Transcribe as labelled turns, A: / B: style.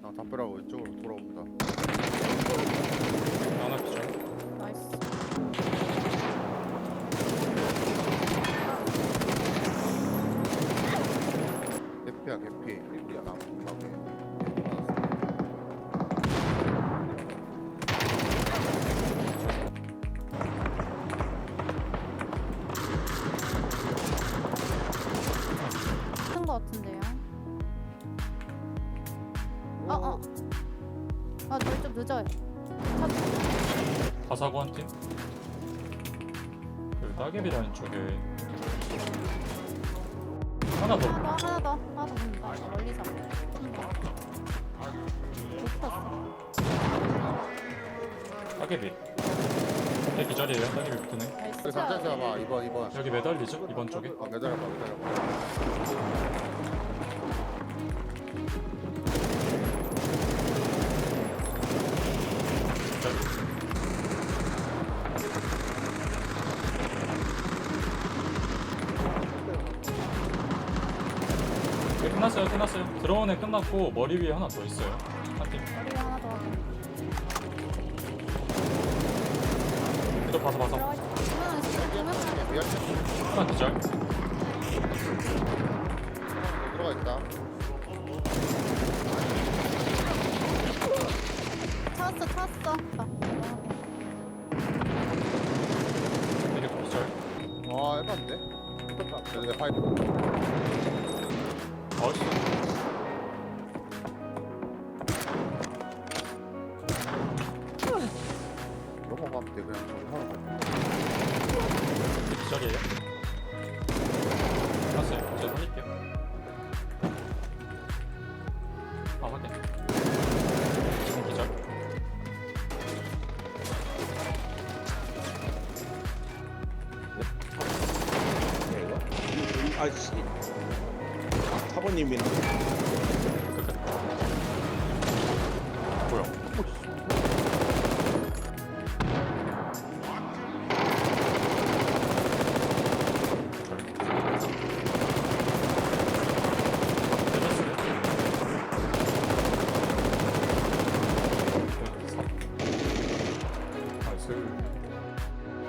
A: 나 담벼락으로 이쪽으로 돌아옵니다.
B: 하나 기절.
C: 나이스.
A: 개피야 개피. 야 나무
C: 큰 거 같은데요. 저희 좀 늦어요.
B: 가사고 한 팀. 그 따개비 라인 쪽에 하나 더.
C: 하나 더 본다. 멀리서. 못 봤어.
B: 따개비. 내 기절이에요. 따개비 붙으네.
C: 나이스.
A: 그 잠깐 잡아. 이번.
B: 여기 매달리죠? 이번 쪽에.
A: 매달려봐.
B: 기절. 네, 끝났어요. 들어온 애 끝났고 머리 위에 하나 더 있어요. 한 팀.
C: 머리 하나 더.
B: 그래도 봐서.
C: 들어가. 그러면 진짜
A: 미안.
B: 하나 기절.
A: 들어가 있다.
C: 찾았어.
B: 이게 기절.
A: 와 해봤는데? 내 파이프.
B: 어이씨.
A: 넘어가면 돼 그냥 저기 하러 가.
B: 기절이에요. 끝났어요. 제가 살릴게요. 아 확인. 지금 기절.
D: 아씨 사모님이랑